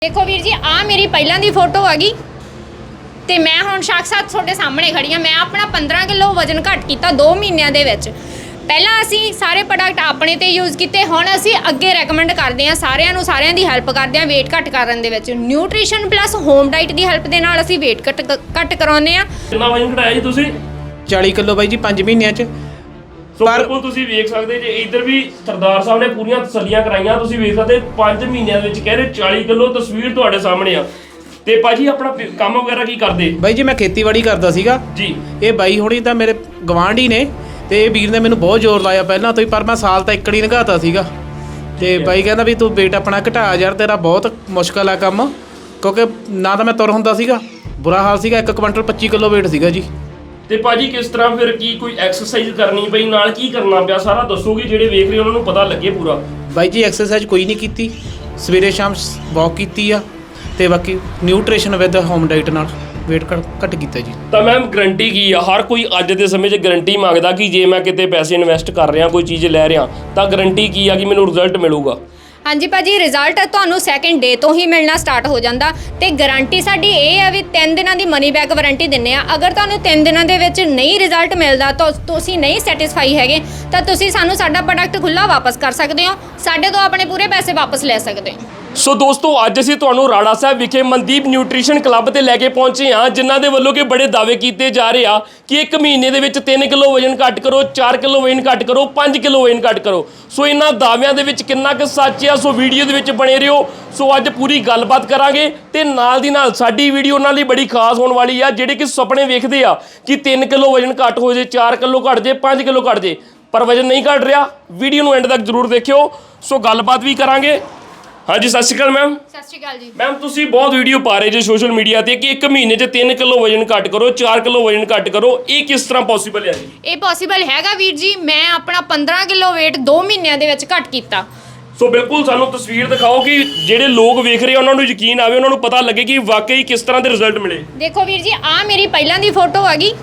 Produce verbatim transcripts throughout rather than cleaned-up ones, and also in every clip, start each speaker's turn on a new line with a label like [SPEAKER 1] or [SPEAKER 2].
[SPEAKER 1] देखो वीर जी आ मेरी पहला दी फोटो हैगी ते मैं हुण साक्षात तुहाडे सामने खड़ी हाँ। मैं अपना पंद्रह किलो वजन घट किया दो महीनों दे विच। पहला असी सारे प्रोडक्ट अपने ते यूज़ किए, हुण असी अगे रैकमेंड करते हैं सारिਆਂ ਨੂੰ, सारिਆਂ दी हैल्प करते हैं वेट घट करन दे विच। न्यूट्रीशन प्लस होम डाइट की हैल्प दे नाल असी वेट घट घट कराउने आ।
[SPEAKER 2] कितना वजन घटाया जी तुसीं?
[SPEAKER 3] चालीस किलो बाई जी पाँच महीनों च।
[SPEAKER 2] सो बिल्कुल तुसीं वेख सकदे जे इधर भी सरदार साहब ने पूरीਆਂ तसल्लियां कराईਆਂ। तुसीं वेख सकदे पाँच महीनों ਦੇ ਵਿੱਚ कह रहे चालीस किलो तस्वीर ਤੁਹਾਡੇ ਸਾਹਮਣੇ ਆ। ਤੇ ਭਾਜੀ ਆਪਣਾ ਕੰਮ ਵਗੈਰਾ ਕੀ ਕਰਦੇ?
[SPEAKER 3] ਬਾਈ ਜੀ ਮੈਂ ਖੇਤੀਬਾੜੀ ਕਰਦਾ ਸੀਗਾ
[SPEAKER 2] ਜੀ।
[SPEAKER 3] ਇਹ ਬਾਈ ਹੋਣੀ ਤਾਂ ਮੇਰੇ ਗਵਾਂਢੀ ਨੇ ਤੇ ਇਹ ਵੀਰ ਨੇ ਮੈਨੂੰ ਬਹੁਤ ਜ਼ੋਰ ਲਾਇਆ ਪਹਿਲਾਂ ਤੋਂ ਹੀ, ਪਰ ਮੈਂ ਸਾਲ ਤਾਂ ਇੱਕੜੀ ਨਗਾਤਾ ਸੀਗਾ। ਤੇ ਬਾਈ ਕਹਿੰਦਾ ਵੀ ਤੂੰ weight ਆਪਣਾ ਘਟਾ ਯਾਰ, ਤੇਰਾ ਬਹੁਤ ਮੁਸ਼ਕਲ ਆ ਕੰਮ, ਕਿਉਂਕਿ ਨਾ ਤਾਂ ਮੈਂ ਤੁਰ ਹੁੰਦਾ ਸੀਗਾ, ਬੁਰਾ ਹਾਲ ਸੀਗਾ। ਇੱਕ ਕੁਇੰਟਲ ਪੱਚੀ ਕਿਲੋ weight ਸੀਗਾ ਜੀ।
[SPEAKER 2] ਤੇ ਭਾਜੀ ਕਿਸ ਤਰ੍ਹਾਂ ਫਿਰ ਕੀ ਕੋਈ ਐਕਸਰਸਾਈਜ਼ ਕਰਨੀ ਪਈ, ਨਾਲ ਕੀ ਕਰਨਾ ਪਿਆ ਸਾਰਾ ਦੱਸੋਗੇ ਜਿਹੜੇ ਵੇਖ ਰਹੇ ਉਹਨਾਂ ਨੂੰ ਪਤਾ ਲੱਗੇ ਪੂਰਾ।
[SPEAKER 3] ਬਾਈ ਜੀ ਐਕਸਰਸਾਈਜ਼ ਕੋਈ ਨਹੀਂ ਕੀਤੀ, ਸਵੇਰੇ ਸ਼ਾਮ ਵਾਕ ਕੀਤੀ ਆ ਤੇ ਬਾਕੀ ਨਿਊਟ੍ਰੀਸ਼ਨ ਵਿਦ ਹੋਮ ਡਾਈਟ ਨਾਲ weight ਘੱਟ ਕੀਤਾ ਜੀ।
[SPEAKER 2] ਤਾਂ ਮੈਮ ਗਰੰਟੀ ਕੀ ਆ? ਹਰ ਕੋਈ ਅੱਜ ਦੇ ਸਮੇਂ 'ਚ ਗਰੰਟੀ ਮੰਗਦਾ ਕਿ ਜੇ ਮੈਂ ਕਿਤੇ ਪੈਸੇ ਇਨਵੈਸਟ ਕਰ ਰਿਹਾ, ਕੋਈ ਚੀਜ਼ ਲੈ ਰਿਹਾ, ਤਾਂ ਗਰੰਟੀ ਕੀ ਆ ਕਿ ਮੈਨੂੰ ਰਿਜ਼ਲਟ ਮਿਲੂਗਾ?
[SPEAKER 1] हाँ जी भाजी रिजल्ट ਤੁਹਾਨੂੰ ਸੈਕਿੰਡ ਡੇ ਤੋਂ ਹੀ ਮਿਲਣਾ ਸਟਾਰਟ ਹੋ ਜਾਂਦਾ ਤੇ ਗਾਰੰਟੀ ਸਾਡੀ ਇਹ ਹੈ ਵੀ ਤਿੰਨ ਦਿਨਾਂ ਦੀ ਮਨੀ ਬੈਕ ਵਾਰੰਟੀ ਦਿੰਨੇ ਆ। ਅਗਰ ਤੁਹਾਨੂੰ ਤਿੰਨ ਦਿਨਾਂ ਦੇ ਵਿੱਚ ਨਹੀਂ ਰਿਜ਼ਲਟ ਮਿਲਦਾ ਤਾਂ ਤੁਸੀਂ ਨਹੀਂ ਸੈਟੀਸਫਾਈ ਹੈਗੇ ਤਾਂ ਤੁਸੀਂ ਸਾਨੂੰ ਸਾਡਾ ਪ੍ਰੋਡਕਟ ਖੁੱਲਾ ਵਾਪਸ ਕਰ ਸਕਦੇ ਹੋ, ਸਾਡੇ ਤੋਂ ਆਪਣੇ ਪੂਰੇ ਪੈਸੇ ਵਾਪਸ ਲੈ ਸਕਦੇ ਹੋ।
[SPEAKER 2] ਸੋ ਦੋਸਤੋ ਅੱਜ ਅਸੀਂ ਤੁਹਾਨੂੰ ਰਾੜਾ ਸਾਹਿਬ ਵਿਖੇ ਮਨਦੀਪ ਨਿਊਟ੍ਰੀਸ਼ਨ ਕਲੱਬ ਤੇ ਲੈ ਕੇ ਪਹੁੰਚੇ ਹਾਂ, ਜਿਨ੍ਹਾਂ ਦੇ ਵੱਲੋਂ ਕਿ ਬੜੇ ਦਾਅਵੇ ਕੀਤੇ ਜਾ ਰਹੇ ਆ ਕਿ ਇੱਕ ਮਹੀਨੇ ਦੇ ਵਿੱਚ ਤਿੰਨ ਕਿਲੋ ਵਜਨ ਘੱਟ ਕਰੋ, ਚਾਰ ਕਿਲੋ ਵਜਨ ਘੱਟ ਕਰੋ, ਪੰਜ ਕਿਲੋ ਵਜਨ ਘੱਟ ਕਰੋ। ਸੋ ਇਹਨਾਂ ਦਾਅਵਿਆਂ ਦੇ ਵਿੱਚ ਕਿੰਨਾ ਕੁ ਸੱਚ ਆ, ਸੋ ਵੀਡੀਓ ਦੇ ਵਿੱਚ ਬਣੇ ਰਹੋ। ਸੋ ਅੱਜ ਪੂਰੀ ਗੱਲਬਾਤ ਕਰਾਂਗੇ ਤੇ ਨਾਲ ਦੀ ਨਾਲ ਸਾਡੀ ਵੀਡੀਓ ਉਹਨਾਂ ਲਈ ਬੜੀ ਖਾਸ ਹੋਣ ਵਾਲੀ ਆ, ਜਿਹੜੇ ਕਿ ਸੁਪਨੇ ਵੇਖਦੇ ਆ ਕਿ ਤਿੰਨ ਕਿਲੋ ਵਜਨ ਘੱਟ ਹੋ ਜੇ, ਚਾਰ ਕਿਲੋ ਘੱਟ ਜੇ, ਪੰਜ ਕਿਲੋ ਘੱਟ ਜੇ, ਪਰ ਵਜਨ ਨਹੀਂ ਘੱਟ ਰਿਹਾ। ਵੀਡੀਓ ਨੂੰ ਐਂਡ ਤੱਕ ਜ਼ਰੂਰ ਦੇਖਿਓ। ਸੋ ਗੱਲਬਾਤ ਵੀ ਕਰਾਂਗੇ। ਹਾਂਜੀ ਸਤਿ ਸ਼੍ਰੀ ਅਕਾਲ ਮੈਮ।
[SPEAKER 1] ਸਤਿ ਸ਼੍ਰੀ ਅਕਾਲ ਜੀ।
[SPEAKER 2] ਮੈਮ ਤੁਸੀਂ ਬਹੁਤ ਵੀਡੀਓ ਪਾ ਰਹੇ ਜੇ ਸੋਸ਼ਲ ਮੀਡੀਆ ਤੇ ਕਿ ਇੱਕ ਮਹੀਨੇ 'ਚ ਤਿੰਨ ਕਿਲੋ ਵਜਨ ਘੱਟ ਕਰੋ, ਚਾਰ ਕਿਲੋ ਵਜਨ ਘੱਟ ਕਰੋ, ਇਹ ਕਿਸ ਤਰ੍ਹਾਂ ਪੋਸੀਬਲ ਹੈ ਜੀ?
[SPEAKER 1] ਇਹ ਪੋਸੀਬਲ ਹੈਗਾ ਵੀਰ ਜੀ। ਮੈਂ ਆਪਣਾ ਪੰਦਰਾਂ ਕਿਲੋ weight ਦੋ ਮਹੀਨਿਆਂ ਦੇ ਵਿੱਚ ਘੱਟ ਕੀਤਾ।
[SPEAKER 2] ਸੋ ਬਿਲਕੁਲ ਸਾਨੂੰ ਤਸਵੀਰ ਦਿਖਾਓ ਕਿ ਜਿਹੜੇ ਲੋਕ ਵੇਖ ਰਹੇ ਉਹਨਾਂ ਨੂੰ ਯਕੀਨ ਆਵੇ, ਉਹਨਾਂ ਨੂੰ ਪਤਾ ਲੱਗੇ ਕਿ ਵਾਕਈ ਕਿਸ ਤਰ੍ਹਾਂ ਦੇ ਰਿਜ਼ਲਟ ਮਿਲੇ।
[SPEAKER 1] ਦੇਖੋ ਵੀਰ ਜੀ ਆ ਮੇਰੀ ਪਹਿਲਾਂ ਦੀ ਫੋਟੋ ਹੈਗੀ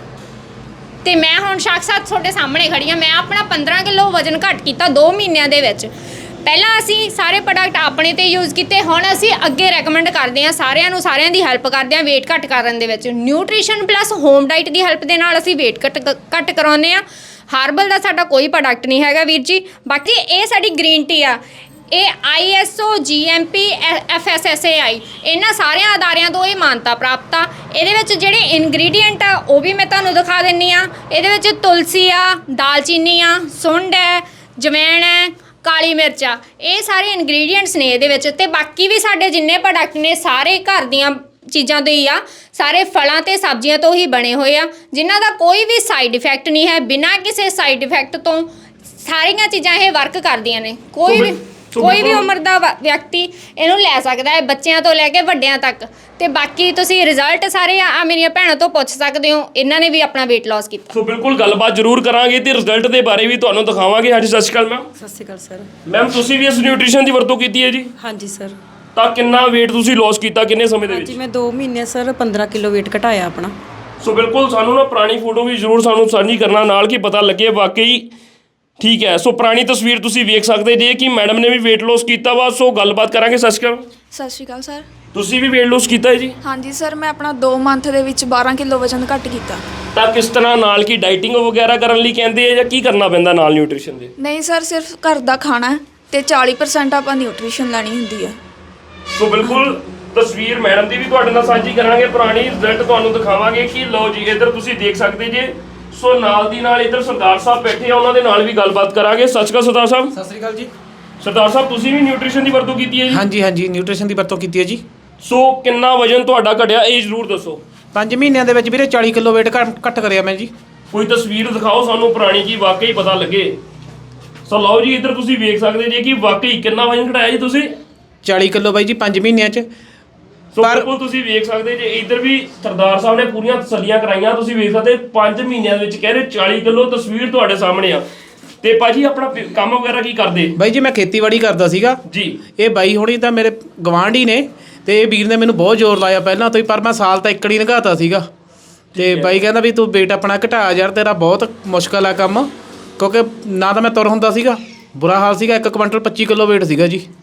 [SPEAKER 1] ਤੇ ਮੈਂ ਹੁਣ ਸਾક્ષਾਤ ਤੁਹਾਡੇ ਸਾਹਮਣੇ ਖੜੀ ਹਾਂ। ਮੈਂ ਆਪਣਾ ਪੰਦਰਾਂ ਕਿਲੋ ਵਜਨ ਘੱਟ ਕੀਤਾ ਦੋ ਮਹੀਨਿਆਂ ਦੇ ਵਿੱਚ। ਪਹਿਲਾਂ ਅਸੀਂ ਸਾਰੇ ਪ੍ਰੋਡਕਟ ਆਪਣੇ ਤੇ ਯੂਜ਼ ਕੀਤੇ, ਹੁਣ ਅਸੀਂ ਅੱਗੇ ਰੈਕਮੈਂਡ ਕਰਦੇ ਹਾਂ ਸਾਰਿਆਂ ਨੂੰ, ਸਾਰਿਆਂ ਦੀ ਹੈਲਪ ਕਰਦੇ ਹਾਂ weight ਘੱਟ ਕਰਨ ਦੇ ਵਿੱਚ। ਨਿਊਟ੍ਰੀਸ਼ਨ ਪਲਸ ਹੋਮ ਡਾਈਟ ਦੀ ਹੈਲਪ ਦੇ ਨਾਲ ਅਸੀਂ weight ਘੱਟ ਘੱਟ ਕਰਾਉਂਦੇ ਹਾਂ। ਹਾਰਬਲ ਦਾ ਸਾਡਾ ਕੋਈ ਪ੍ਰੋਡਕਟ ਨਹੀਂ ਹੈਗਾ ਵੀਰ ਜੀ। ਬਾਕੀ ਇਹ ਸਾਡੀ ਗ੍ਰੀਨ ਟੀ ਆ, ਇਹ ਆਈ S O G M P F S S A I ਇਹਨਾਂ ਸਾਰਿਆਂ ਅਦਾਰਿਆਂ ਤੋਂ ਇਹ ਮਾਨਤਾ ਪ੍ਰਾਪਤ ਆ। ਇਹਦੇ ਵਿੱਚ ਜਿਹੜੇ ਇਨਗਰੀਡੀਐਂਟ ਆ ਉਹ ਵੀ ਮੈਂ ਤੁਹਾਨੂੰ ਦਿਖਾ ਦਿੰਨੀ ਆ। ਇਹਦੇ ਵਿੱਚ ਤੁਲਸੀ ਆ, ਦਾਲਚੀਨੀ ਆ, ਸੁੰਡ ਹੈ, ਜਵੈਣ ਹੈ, ਕਾਲੀ ਮਿਰਚ ਆ, ਇਹ ਸਾਰੇ ਇਨਗਰੀਡੀਐਂਟਸ ਨੇ ਇਹਦੇ ਵਿੱਚ। ਤੇ ਬਾਕੀ ਵੀ ਸਾਡੇ ਜਿੰਨੇ ਪ੍ਰੋਡਕਟ ਨੇ ਸਾਰੇ ਘਰ ਦੀਆਂ ਚੀਜ਼ਾਂ ਤੋਂ ਹੀ ਆ, ਸਾਰੇ ਫਲਾਂ ਤੇ ਸਬਜ਼ੀਆਂ ਤੋਂ ਹੀ ਬਣੇ ਹੋਏ ਆ, ਜਿਨ੍ਹਾਂ ਦਾ ਕੋਈ ਵੀ ਸਾਈਡ ਇਫੈਕਟ ਨਹੀਂ ਹੈ। ਬਿਨਾਂ ਕਿਸੇ ਸਾਈਡ ਇਫੈਕਟ ਤੋਂ ਸਾਰੀਆਂ ਚੀਜ਼ਾਂ ਇਹ ਵਰਕ ਕਰਦੀਆਂ ਨੇ। ਕੋਈ ਵੀ ਕੋਈ ਵੀ ਉਮਰ ਦਾ ਵਿਅਕਤੀ ਇਹਨੂੰ ਲੈ ਸਕਦਾ ਹੈ, ਬੱਚਿਆਂ ਤੋਂ ਲੈ ਕੇ ਵੱਡਿਆਂ ਤੱਕ। ਤੇ ਬਾਕੀ ਤੁਸੀਂ ਰਿਜ਼ਲਟ ਸਾਰੇ ਆ ਮੇਰੀਆਂ ਭੈਣਾਂ ਤੋਂ ਪੁੱਛ ਸਕਦੇ ਹੋ, ਇਹਨਾਂ ਨੇ ਵੀ ਆਪਣਾ weight loss ਕੀਤਾ।
[SPEAKER 2] ਸੋ ਬਿਲਕੁਲ ਗੱਲਬਾਤ ਜ਼ਰੂਰ ਕਰਾਂਗੇ ਤੇ ਰਿਜ਼ਲਟ ਦੇ ਬਾਰੇ ਵੀ ਤੁਹਾਨੂੰ ਦਿਖਾਵਾਂਗੇ। ਹਾਂਜੀ ਸਤਿ ਸ਼੍ਰੀ ਅਕਾਲ ਮੈਮ।
[SPEAKER 4] ਸਤਿ ਸ਼੍ਰੀ ਅਕਾਲ ਸਰ।
[SPEAKER 2] ਮੈਮ ਤੁਸੀਂ ਵੀ ਇਸ ਨਿਊਟ੍ਰੀਸ਼ਨ ਦੀ ਵਰਤੋਂ ਕੀਤੀ ਹੈ ਜੀ?
[SPEAKER 4] ਹਾਂਜੀ ਸਰ।
[SPEAKER 2] ਤਾਂ ਕਿੰਨਾ weight ਤੁਸੀਂ ਲੋਸ ਕੀਤਾ ਕਿੰਨੇ ਸਮੇਂ ਦੇ ਵਿੱਚ?
[SPEAKER 4] ਹਾਂਜੀ ਮੈਂ ਦੋ ਮਹੀਨੇ ਸਰ ਪੰਦਰਾਂ ਕਿਲੋ weight ਘਟਾਇਆ ਆਪਣਾ।
[SPEAKER 2] ਸੋ ਬਿਲਕੁਲ ਸਾਨੂੰ ਨਾ ਪੁਰਾਣੀ ਫੋਟੋ ਵੀ ਜ਼ਰੂਰ ਸਾਨੂੰ ਸਾਂਝੀ ਕਰਨਾ ਨਾਲ, ਕਿ ਪਤਾ ਲੱਗੇ ਵਾਕਈ ਠੀਕ ਹੈ। ਸੋ ਪੁਰਾਣੀ ਤਸਵੀਰ ਤੁਸੀਂ ਵੇਖ ਸਕਦੇ ਜੇ ਕਿ ਮੈਡਮ ਨੇ ਵੀ weight loss ਕੀਤਾ ਵਾ। ਸੋ ਗੱਲਬਾਤ ਕਰਾਂਗੇ। ਸਤਿ ਸ਼੍ਰੀ ਅਕਾਲ।
[SPEAKER 5] ਸਤਿ ਸ਼੍ਰੀ ਅਕਾਲ ਸਰ।
[SPEAKER 2] ਤੁਸੀਂ ਵੀ weight loss ਕੀਤਾ ਹੈ ਜੀ?
[SPEAKER 5] ਹਾਂਜੀ ਸਰ, ਮੈਂ ਆਪਣਾ ਦੋ ਮੰਥ ਦੇ ਵਿੱਚ ਬਾਰਾਂ ਕਿਲੋ ਵਜ਼ਨ ਘੱਟ ਕੀਤਾ।
[SPEAKER 2] ਤਾਂ ਕਿਸ ਤਰ੍ਹਾਂ ਨਾਲ ਕੀ ਡਾਈਟਿੰਗ ਵਗੈਰਾ ਕਰਨ ਲਈ ਕਹਿੰਦੇ ਆ ਜਾਂ ਕੀ ਕਰਨਾ ਪੈਂਦਾ ਨਾਲ ਨਿਊਟ੍ਰੀਸ਼ਨ ਦੇ?
[SPEAKER 5] ਨਹੀਂ ਸਰ, ਸਿਰਫ ਘਰ ਦਾ ਖਾਣਾ ਤੇ ਚਾਲੀ ਪਰਸੈਂਟ ਆਪਾਂ ਨਿਊਟ੍ਰੀਸ਼ਨ ਲੈਣੀ ਹੁੰਦੀ ਹੈ।
[SPEAKER 2] ਸੋ ਬਿਲਕੁਲ ਤਸਵੀਰ ਮੈਡਮ ਦੀ ਵੀ ਤੁਹਾਡੇ ਨਾਲ ਸਾਂਝੀ ਕਰਾਂਗੇ, ਪੁਰਾਣੀ ਰਿਜ਼ਲਟ ਤੁਹਾਨੂੰ ਦਿਖਾਵਾਂਗੇ ਕਿ ਲਓ ਜੀ ਇੱਧਰ ਤੁਸੀਂ ਦੇਖ ਸਕਦੇ ਜੇ। ਸੋ ਨਾਲ ਦੀ ਨਾਲ ਇੱਧਰ ਸਰਦਾਰ ਸਾਹਿਬ ਬੈਠੇ ਆ, ਉਹਨਾਂ ਦੇ ਨਾਲ ਵੀ ਗੱਲਬਾਤ ਕਰਾਂਗੇ। ਸਤਿ ਸ਼੍ਰੀ ਅਕਾਲ ਸਰਦਾਰ ਸਾਹਿਬ।
[SPEAKER 3] ਸਤਿ ਸ਼੍ਰੀ ਅਕਾਲ ਜੀ।
[SPEAKER 2] ਸਰਦਾਰ ਸਾਹਿਬ ਤੁਸੀਂ ਵੀ ਨਿਊਟ੍ਰੀਸ਼ਨ ਦੀ ਵਰਤੋਂ ਕੀਤੀ ਹੈ ਜੀ?
[SPEAKER 3] ਹਾਂਜੀ ਹਾਂਜੀ ਨਿਊਟ੍ਰੀਸ਼ਨ ਦੀ ਵਰਤੋਂ ਕੀਤੀ ਹੈ ਜੀ।
[SPEAKER 2] ਸੋ ਕਿੰਨਾ ਵਜਨ ਤੁਹਾਡਾ ਘਟਿਆ ਇਹ ਜ਼ਰੂਰ ਦੱਸੋ।
[SPEAKER 3] ਪੰਜ ਮਹੀਨਿਆਂ ਦੇ ਵਿੱਚ ਵੀਰੇ ਚਾਲੀ ਕਿਲੋ weight ਘੱਟ ਘੱਟ ਕਰਿਆ ਮੈਂ ਜੀ।
[SPEAKER 2] ਕੋਈ ਤਸਵੀਰ ਦਿਖਾਓ ਸਾਨੂੰ ਪੁਰਾਣੀ, ਕੀ ਵਾਕਈ ਪਤਾ ਲੱਗੇ। ਸੋ ਲਓ ਜੀ ਇੱਧਰ ਤੁਸੀਂ ਵੇਖ ਸਕਦੇ ਜੇ ਕਿ ਵਾਕਈ ਕਿੰਨਾ ਵਜਨ ਘਟਾਇਆ ਜੀ ਤੁਸੀਂ?
[SPEAKER 3] ਚਾਲੀ ਕਿਲੋ ਬਾਈ ਜੀ ਪੰਜ ਮਹੀਨਿਆਂ 'ਚ।
[SPEAKER 2] ਸੋ ਬਿਲਕੁਲ ਤੁਸੀਂ ਵੇਖ ਸਕਦੇ ਜੇ ਇੱਧਰ ਵੀ ਸਰਦਾਰ ਸਾਹਿਬ ਨੇ ਪੂਰੀਆਂ ਤਸੱਲੀਆਂ ਕਰਾਈਆਂ। ਤੁਸੀਂ ਵੇਖ ਸਕਦੇ ਪੰਜ ਮਹੀਨਿਆਂ ਦੇ ਵਿੱਚ ਕਹਿ ਰਹੇ ਚਾਲੀ ਕਿਲੋ ਤਸਵੀਰ ਤੁਹਾਡੇ ਸਾਹਮਣੇ ਆ। ਤੇ ਭਾਜੀ ਆਪਣਾ ਕੰਮ ਵਗੈਰਾ ਕੀ ਕਰਦੇ?
[SPEAKER 3] ਬਾਈ ਜੀ ਮੈਂ ਖੇਤੀਬਾੜੀ ਕਰਦਾ ਸੀਗਾ
[SPEAKER 2] ਜੀ।
[SPEAKER 3] ਇਹ ਬਾਈ ਹੋਣੀ ਤਾਂ ਮੇਰੇ ਗਵਾਂਢੀ ਨੇ ਤੇ ਇਹ ਵੀਰ ਨੇ ਮੈਨੂੰ ਬਹੁਤ ਜ਼ੋਰ ਲਾਇਆ ਪਹਿਲਾਂ ਤੋਂ ਹੀ, ਪਰ ਮੈਂ ਸਾਲ ਤਾਂ ਇੱਕੜੀ ਨਗਾਤਾ ਸੀਗਾ। ਤੇ ਬਾਈ ਕਹਿੰਦਾ ਵੀ ਤੂੰ weight ਆਪਣਾ ਘਟਾ ਯਾਰ, ਤੇਰਾ ਬਹੁਤ ਮੁਸ਼ਕਲ ਆ ਕੰਮ, ਕਿਉਂਕਿ ਨਾ ਤਾਂ ਮੈਂ ਤੁਰ ਹੁੰਦਾ ਸੀਗਾ, ਬੁਰਾ ਹਾਲ ਸੀਗਾ। ਇੱਕ ਕੁਇੰਟਲ ਪੱਚੀ ਕਿਲੋ weight ਸੀਗਾ ਜੀ।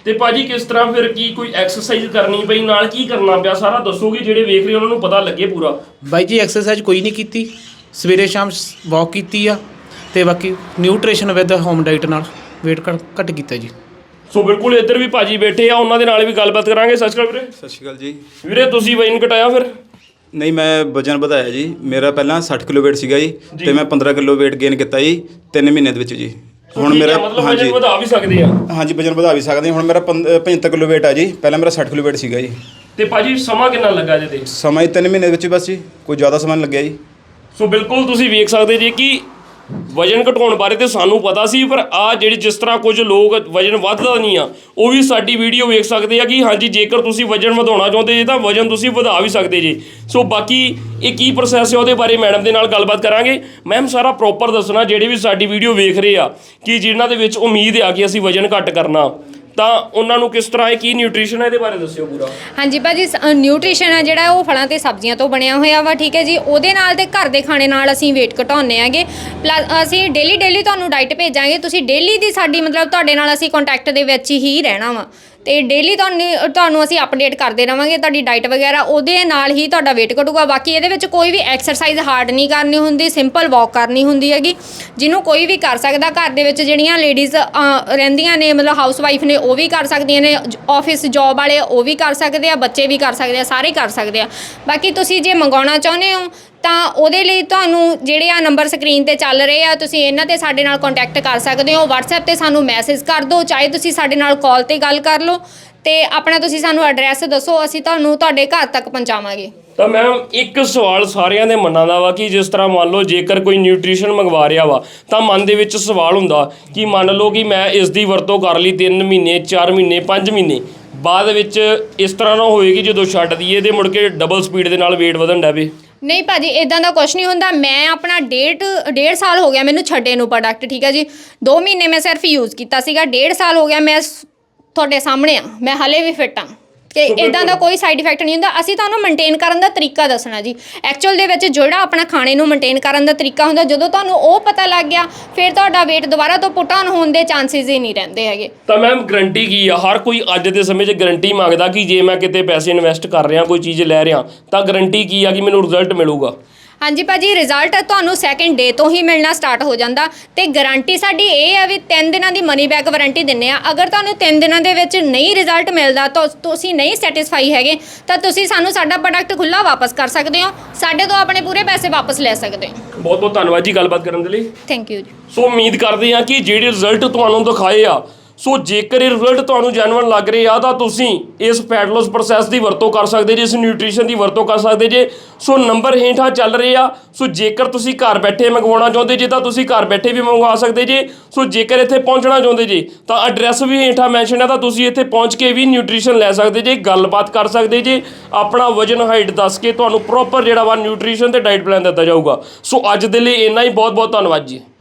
[SPEAKER 2] ਤੇ ਭਾਜੀ ਕਿਸ ਤਰ੍ਹਾਂ ਫਿਰ ਕੀ ਕੋਈ ਐਕਸਰਸਾਈਜ਼ ਕਰਨੀ ਪਈ ਨਾਲ ਕੀ ਕਰਨਾ ਪਿਆ ਸਾਰਾ ਦੱਸੋਗੇ ਜਿਹੜੇ ਵੇਖ ਰਹੇ ਉਹਨਾਂ ਨੂੰ ਪਤਾ ਲੱਗੇ ਪੂਰਾ।
[SPEAKER 3] ਬਾਈ ਜੀ ਐਕਸਰਸਾਈਜ਼ ਕੋਈ ਨਹੀਂ ਕੀਤੀ, ਸਵੇਰੇ ਸ਼ਾਮ ਵਾਕ ਕੀਤੀ ਆ ਤੇ ਬਾਕੀ ਨਿਊਟ੍ਰੀਸ਼ਨ ਵਿਦ ਹੋਮ ਡਾਈਟ ਨਾਲ weight ਘੱਟ ਕੀਤਾ ਜੀ।
[SPEAKER 2] ਸੋ ਬਿਲਕੁਲ ਇੱਧਰ ਵੀ ਭਾਜੀ ਬੈਠੇ ਆ, ਉਹਨਾਂ ਦੇ ਨਾਲ ਵੀ ਗੱਲਬਾਤ ਕਰਾਂਗੇ। ਸਤਿ ਸ਼੍ਰੀ ਅਕਾਲ ਵੀਰੇ।
[SPEAKER 6] ਸਤਿ ਸ਼੍ਰੀ ਅਕਾਲ ਜੀ।
[SPEAKER 2] ਵੀਰੇ ਤੁਸੀਂ ਵਜ਼ਨ ਘਟਾਇਆ ਫਿਰ?
[SPEAKER 6] ਨਹੀਂ, ਮੈਂ ਵਜਨ ਵਧਾਇਆ ਜੀ। ਮੇਰਾ ਪਹਿਲਾਂ ਸੱਠ ਕਿਲੋ weight ਸੀਗਾ ਜੀ ਤੇ ਮੈਂ ਪੰਦਰਾਂ ਕਿਲੋ weight gain ਕੀਤਾ ਜੀ ਤਿੰਨ ਮਹੀਨੇ ਦੇ ਵਿੱਚ ਜੀ। ਹੁਣ ਮੇਰਾ
[SPEAKER 2] ਮਤਲਬ ਵਜ਼ਨ ਵਧਾ ਵੀ ਸਕਦੇ ਆ?
[SPEAKER 6] ਹਾਂਜੀ, ਵਜਨ ਵਧਾ ਵੀ ਸਕਦੇ ਹਾਂ। ਹੁਣ ਮੇਰਾ ਪਝੱਤਰ ਕਿਲੋ weight ਆ ਜੀ, ਪਹਿਲਾਂ ਮੇਰਾ ਸੱਠ ਕਿਲੋ weight ਸੀਗਾ ਜੀ।
[SPEAKER 2] ਤੇ ਭਾਜੀ ਸਮਾਂ ਕਿੰਨਾ ਲੱਗਾ ਜੇ ਤੇ?
[SPEAKER 6] ਸਮਾਂ ਹੀ ਤਿੰਨ ਮਹੀਨੇ ਦੇ ਵਿੱਚ ਬਸ ਜੀ, ਕੋਈ ਜ਼ਿਆਦਾ ਸਮਾਂ ਨਹੀਂ ਲੱਗਿਆ ਜੀ।
[SPEAKER 2] ਸੋ ਬਿਲਕੁਲ ਤੁਸੀਂ ਵੇਖ ਸਕਦੇ ਜੀ ਕਿ ਵਜਨ ਘਟਾਉਣ ਬਾਰੇ ਤੇ ਸਾਨੂੰ ਪਤਾ ਸੀ, ਪਰ ਆ ਜਿਹੜੀ ਜਿਸ ਤਰ੍ਹਾਂ ਕੁਝ ਲੋਕ ਵਜਨ ਵੱਧਦਾ ਨਹੀਂ ਆ ਉਹ ਵੀ ਸਾਡੀ ਵੀਡੀਓ ਵੇਖ ਸਕਦੇ ਆ ਕਿ ਹਾਂਜੀ ਜੇਕਰ ਤੁਸੀਂ ਵਜਨ ਵਧਾਉਣਾ ਚਾਹੁੰਦੇ ਜੇ ਤਾਂ ਵਜਨ ਤੁਸੀਂ ਵਧਾ ਵੀ ਸਕਦੇ ਜੇ। ਸੋ ਬਾਕੀ ਇਹ ਕੀ ਪ੍ਰੋਸੈਸ ਹੈ ਉਹਦੇ ਬਾਰੇ ਮੈਡਮ ਦੇ ਨਾਲ ਗੱਲਬਾਤ ਕਰਾਂਗੇ। ਮੈਮ ਸਾਰਾ ਪ੍ਰੋਪਰ ਦੱਸਣਾ ਜਿਹੜੇ ਵੀ ਸਾਡੀ ਵੀਡੀਓ ਵੇਖ ਰਹੇ ਆ ਕਿ ਜਿਨ੍ਹਾਂ ਦੇ ਵਿੱਚ ਉਮੀਦ ਆ ਕਿ ਅਸੀਂ ਵਜਨ ਘੱਟ ਕਰਨਾ, ਤਾਂ ਉਹਨਾਂ ਨੂੰ ਕਿਸ ਤਰ੍ਹਾਂ ਇਹ ਕੀ ਨਿਊਟ੍ਰੀਸ਼ਨ ਹੈ ਇਹਦੇ ਬਾਰੇ ਦੱਸਿਓ ਪੂਰਾ।
[SPEAKER 1] ਹਾਂਜੀ ਭਾਜੀ, ਨਿਊਟ੍ਰੀਸ਼ਨ ਹੈ ਜਿਹੜਾ ਉਹ ਫਲਾਂ ਤੇ ਸਬਜ਼ੀਆਂ ਤੋਂ ਬਣਿਆ ਹੋਇਆ ਵਾ, ਠੀਕ ਹੈ ਜੀ। ਉਹਦੇ ਨਾਲ ਤੇ ਘਰ ਦੇ ਖਾਣੇ ਨਾਲ ਅਸੀਂ weight ਘਟਾਉਂਦੇ ਆਂਗੇ। ਪਲੱਸ ਅਸੀਂ ਡੇਲੀ ਡੇਲੀ ਤੁਹਾਨੂੰ ਡਾਈਟ ਭੇਜਾਂਗੇ, ਤੁਸੀਂ ਡੇਲੀ ਦੀ ਸਾਡੀ ਮਤਲਬ ਤੁਹਾਡੇ ਨਾਲ ਅਸੀਂ ਕੰਟੈਕਟ ਦੇ ਵਿੱਚ ਹੀ ਰਹਿਣਾ ਵਾ ਤੇ ਡੇਲੀ ਤੁਹਾਨੂੰ ਤੁਹਾਨੂੰ ਅਸੀਂ ਅਪਡੇਟ ਕਰਦੇ ਰਵਾਂਗੇ ਤੁਹਾਡੀ ਡਾਈਟ ਵਗੈਰਾ, ਉਹਦੇ ਨਾਲ ਹੀ ਤੁਹਾਡਾ weight ਘਟੂਗਾ। ਬਾਕੀ ਇਹਦੇ ਵਿੱਚ ਕੋਈ ਵੀ ਐਕਸਰਸਾਈਜ਼ ਹਾਰਡ ਨਹੀਂ ਕਰਨੀ ਹੁੰਦੀ, ਸਿੰਪਲ ਵਾਕ ਕਰਨੀ ਹੁੰਦੀ ਹੈਗੀ, ਜਿਹਨੂੰ ਕੋਈ ਵੀ ਕਰ ਸਕਦਾ। ਘਰ ਦੇ ਵਿੱਚ ਜਿਹੜੀਆਂ ਲੇਡੀਜ਼ ਰਹਿੰਦੀਆਂ ਨੇ ਮਤਲਬ ਹਾਊਸ ਵਾਈਫ ਨੇ ਉਹ ਵੀ ਕਰ ਸਕਦੀਆਂ ਨੇ, ਆਫਿਸ ਜੌਬ ਵਾਲੇ ਉਹ ਵੀ ਕਰ ਸਕਦੇ ਆ, ਬੱਚੇ ਵੀ ਕਰ ਸਕਦੇ ਆ, ਸਾਰੇ ਕਰ ਸਕਦੇ ਆ। ਬਾਕੀ ਤੁਸੀਂ ਜੇ ਮੰਗਾਉਣਾ ਚਾਹੁੰਦੇ ਹੋ ਤਾਂ ਉਹਦੇ ਲਈ ਤੁਹਾਨੂੰ ਜਿਹੜੇ ਆ ਨੰਬਰ ਸਕਰੀਨ ਤੇ ਚੱਲ ਰਹੇ ਆ, ਤੁਸੀਂ ਇਹਨਾਂ ਤੇ ਸਾਡੇ ਨਾਲ ਕੰਟੈਕਟ ਕਰ ਸਕਦੇ ਹੋ। WhatsApp ਤੇ ਸਾਨੂੰ ਮੈਸੇਜ ਕਰ ਦਿਓ, ਚਾਹੇ ਤੁਸੀਂ ਸਾਡੇ ਨਾਲ ਕਾਲ ਤੇ ਗੱਲ ਕਰ ਲਓ ਤੇ ਆਪਣਾ ਤੁਸੀਂ ਸਾਨੂੰ ਐਡਰੈਸ ਦੱਸੋ, ਅਸੀਂ ਤੁਹਾਨੂੰ ਤੁਹਾਡੇ ਘਰ ਤੱਕ ਪਹੁੰਚਾਵਾਂਗੇ।
[SPEAKER 2] ਤਾਂ ਮੈਮ ਇੱਕ ਸਵਾਲ ਸਾਰਿਆਂ ਦੇ ਮਨਾਂ ਦਾ ਵਾ ਕਿ ਜਿਸ ਤਰ੍ਹਾਂ ਮੰਨ ਲਓ ਜੇਕਰ ਕੋਈ ਨਿਊਟ੍ਰੀਸ਼ਨ ਮੰਗਵਾ ਰਿਹਾ ਵਾ ਤਾਂ ਮਨ ਦੇ ਵਿੱਚ ਸਵਾਲ ਹੁੰਦਾ ਕਿ ਮੰਨ ਲਓ ਕਿ ਮੈਂ ਇਸ ਦੀ ਵਰਤੋਂ ਕਰ ਲਈ ਤਿੰਨ ਮਹੀਨੇ ਚਾਰ ਮਹੀਨੇ ਪੰਜ ਮਹੀਨੇ ਬਾਅਦ ਵਿੱਚ ਇਸ ਤਰ੍ਹਾਂ ਨਾ ਹੋਏਗੀ ਜਦੋਂ ਛੱਡ ਦਈਏ ਤੇ ਮੁੜ ਕੇ ਡਬਲ ਸਪੀਡ ਦੇ ਨਾਲ weight ਵਧਣ ਡਵੇ।
[SPEAKER 1] ਨਹੀਂ ਭਾਜੀ, ਇਦਾਂ ਦਾ ਕੁਝ ਨਹੀਂ ਹੁੰਦਾ। ਮੈਂ ਆਪਣਾ ਡੇਢ ਡੇਢ ਸਾਲ ਹੋ ਗਿਆ ਮੈਨੂੰ ਛੱਡੇ ਨੂੰ ਪ੍ਰੋਡਕਟ, ਠੀਕ ਹੈ ਜੀ। ਦੋ ਮਹੀਨੇ ਮੈਂ ਸਿਰਫ ਯੂਜ਼ ਕੀਤਾ ਸੀਗਾ, ਡੇਢ ਸਾਲ ਹੋ ਗਿਆ ਮੈਂ ਤੁਹਾਡੇ ਸਾਹਮਣੇ ਆ, ਮੈਂ ਹਲੇ ਵੀ ਫਿੱਟ ਆ ਤੇ ਇਦਾਂ ਦਾ ਕੋਈ ਸਾਈਡ ਇਫੈਕਟ ਨਹੀਂ ਹੁੰਦਾ। ਅਸੀਂ ਤੁਹਾਨੂੰ ਮੇਨਟੇਨ ਕਰਨ ਦਾ ਤਰੀਕਾ ਦੱਸਣਾ ਜੀ। ਐਕਚੁਅਲ ਦੇ ਵਿੱਚ ਜਿਹੜਾ ਆਪਣਾ ਖਾਣੇ ਨੂੰ ਮੇਨਟੇਨ ਕਰਨ ਦਾ ਤਰੀਕਾ ਹੁੰਦਾ, ਜਦੋਂ ਤੁਹਾਨੂੰ ਉਹ ਪਤਾ ਲੱਗ ਗਿਆ ਫਿਰ ਤੁਹਾਡਾ weight ਦੁਬਾਰਾ ਤੋਂ ਪੁੱਟ ਆਨ ਹੋਣ ਦੇ ਚਾਂਸਿਸ ਹੀ ਨਹੀਂ ਰਹਿੰਦੇ ਹੈਗੇ।
[SPEAKER 2] ਤਾਂ ਮੈਮ ਗਰੰਟੀ ਕੀ ਆ? ਹਰ ਕੋਈ ਅੱਜ ਦੇ ਸਮੇਂ 'ਚ ਗਰੰਟੀ ਮੰਗਦਾ ਕਿ ਜੇ ਮੈਂ ਕਿਤੇ ਪੈਸੇ ਇਨਵੈਸਟ ਕਰ ਰਿਹਾ ਕੋਈ ਚੀਜ਼ ਲੈ ਰਿਹਾ ਤਾਂ ਗਰੰਟੀ ਕੀ ਆ ਕਿ ਮੈਨੂੰ ਰਿਜ਼ਲਟ ਮਿਲੂਗਾ?
[SPEAKER 1] ਹਾਂਜੀ ਭਾਜੀ, ਰਿਜ਼ਲਟ ਤੁਹਾਨੂੰ ਸੈਕਿੰਡ ਡੇ ਤੋਂ ਹੀ ਮਿਲਣਾ ਸਟਾਰਟ ਹੋ ਜਾਂਦਾ ਤੇ ਗਾਰੰਟੀ ਸਾਡੀ ਇਹ ਹੈ ਵੀ ਤਿੰਨ ਦਿਨਾਂ ਦੀ ਮਨੀ ਬੈਕ ਵਾਰੰਟੀ ਦਿੰਦੇ ਆ। ਅਗਰ ਤੁਹਾਨੂੰ ਤਿੰਨ ਦਿਨਾਂ ਦੇ ਵਿੱਚ ਨਹੀਂ ਰਿਜ਼ਲਟ ਮਿਲਦਾ ਤਾਂ ਤੁਸੀਂ ਨਹੀਂ ਸੈਟੀਸਫਾਈ ਹੈਗੇ ਤਾਂ ਤੁਸੀਂ ਸਾਨੂੰ ਸਾਡਾ ਪ੍ਰੋਡਕਟ ਖੁੱਲ੍ਹਾ ਵਾਪਸ ਕਰ ਸਕਦੇ ਹੋ, ਸਾਡੇ ਤੋਂ ਆਪਣੇ ਪੂਰੇ ਪੈਸੇ ਵਾਪਸ ਲੈ ਸਕਦੇ ਹੋ।
[SPEAKER 2] ਬਹੁਤ ਬਹੁਤ ਧੰਨਵਾਦ ਜੀ ਗੱਲਬਾਤ ਕਰਨ ਦੇ ਲਈ।
[SPEAKER 1] ਥੈਂਕ ਯੂ ਜੀ।
[SPEAKER 2] ਸੋ ਉਮੀਦ ਕਰਦੇ ਹਾਂ ਕਿ ਜਿਹੜੇ ਰਿਜ਼ਲਟ ਤੁਹਾਨੂੰ ਦਿਖਾਏ ਆ, ਸੋ ਜੇਕਰ ਇਹ ਰਿਜ਼ਲਟ ਤੁਹਾਨੂੰ ਜੈਨੂਅਨ ਲੱਗ ਰਹੇ ਆ ਤਾਂ ਤੁਸੀਂ ਇਸ ਫੈਟ ਲੋਸ ਪ੍ਰੋਸੈਸ ਦੀ ਵਰਤੋਂ ਕਰ ਸਕਦੇ ਜੇ, ਇਸ ਨਿਊਟ੍ਰੀਸ਼ਨ ਦੀ ਵਰਤੋਂ ਕਰ ਸਕਦੇ ਜੇ। ਸੋ ਨੰਬਰ ਹੇਠਾਂ ਚੱਲ ਰਹੇ ਆ। ਸੋ ਜੇਕਰ ਤੁਸੀਂ ਘਰ ਬੈਠੇ ਮੰਗਵਾਉਣਾ ਚਾਹੁੰਦੇ ਜੇ ਤਾਂ ਤੁਸੀਂ ਘਰ ਬੈਠੇ ਵੀ ਮੰਗਵਾ ਸਕਦੇ ਜੇ। ਸੋ ਜੇਕਰ ਇੱਥੇ ਪਹੁੰਚਣਾ ਚਾਹੁੰਦੇ ਜੇ ਤਾਂ ਐਡਰੈਸ ਵੀ ਹੇਠਾਂ ਮੈਂਸ਼ਨ ਹੈ, ਤਾਂ ਤੁਸੀਂ ਇੱਥੇ ਪਹੁੰਚ ਕੇ ਵੀ ਨਿਊਟ੍ਰੀਸ਼ਨ ਲੈ ਸਕਦੇ ਜੇ, ਗੱਲਬਾਤ ਕਰ ਸਕਦੇ ਜੇ, ਆਪਣਾ ਵਜਨ ਹਾਈਟ ਦੱਸ ਕੇ ਤੁਹਾਨੂੰ ਪ੍ਰੋਪਰ ਜਿਹੜਾ ਵਾ ਨਿਊਟ੍ਰੀਸ਼ਨ ਤੇ ਡਾਈਟ ਪਲਾਨ ਦਿੱਤਾ ਜਾਊਗਾ। ਸੋ ਅੱਜ ਦੇ ਲਈ ਇੰਨਾ ਹੀ, ਬਹੁਤ ਬਹੁਤ ਧੰਨਵਾਦ ਜੀ।